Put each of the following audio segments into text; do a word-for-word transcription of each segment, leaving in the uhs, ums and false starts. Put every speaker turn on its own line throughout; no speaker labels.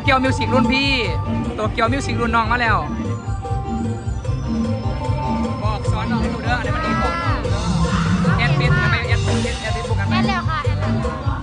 เกียวมิวสิกรุ่นพี่โตเกียวมิวสิกรุ่นน้องมาแล้วบอกสอนน้องให้ดูเด้ออะไรมันดีบอกน้องแอดฟิตกันไปแอดฟิตแอดฟิตบุกกันไป
แอนแล้วค่ะแอนแล้ว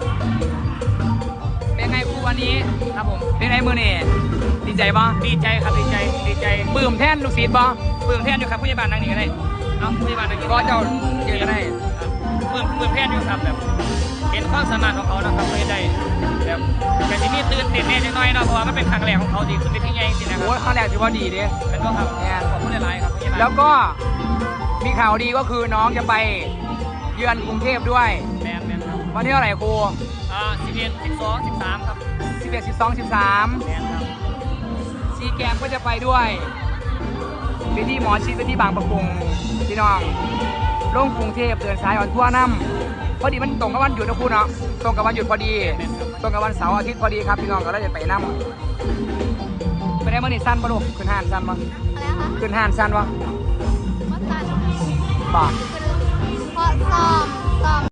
เป็นไงครูวันนี้ครับผมเป็นไงมือนี่ดีใจป่ะ
ดีใจครับดีใจดีใจ
ปลื้มแทนลูกศิษย์ป่ะ
เปื่มแพนอยู่ครับผู้ใหญ่บ้านนั่งนี่ก็ได้เอาผู้ใหญ่บ้านนั่งนี่
ก็เจ้าเจอกันได้
เปื่มเปื่มแพนอยู่ครับแบบเห็นความสามารถของเขานะครับไม่ได้แบบแต่ที่นี่ตื่นเต้นแน่จังน้อยเนาะเพราะว่ามันเป็นครั้งแรกของเขาที่ขึ้นไปที่ใหญ่จริงๆนะค
โอ้
รับ
ยครั้งแรกถือว่าดีเด้
เป็นก็ครับ
แอน
ขอบคุณหลายๆครับผู้ใหญ่บ้าน
แล้วก็มีข่าวดีก็คือน้องจะไปเยือนกรุงเทพด้วย
แมนแมนครับ
วันที่เท่าไหร่ครู
อ่าสิบเอ็ดสิบสองสิบสามครับ
สิบเอ็ด สิบสอง สิบสาม
แมนครับ
ซีแกมก็จะไปด้วยไปที่หมอชิดไปที่บางประกงพี่น้องลงกรุงเทพเดินสายออนทั่วน้ำพอดีมันตรงกับวันหยุดนะครูเนาะตรงกับวันหยุดพอดี
แมนครับ
ตรงกับวันเสาร์อาทิตย์พอดีครับพี่น้องก็เลยจะไปน้ำไปได้เมื่อนี่สั้นปะลูกขึ้นห้านสั้นปะ
อะไรคะ
ขึ้นห้านสั้นปะ
มัสตัน
บ่า
เพราะซ้อมซ้อม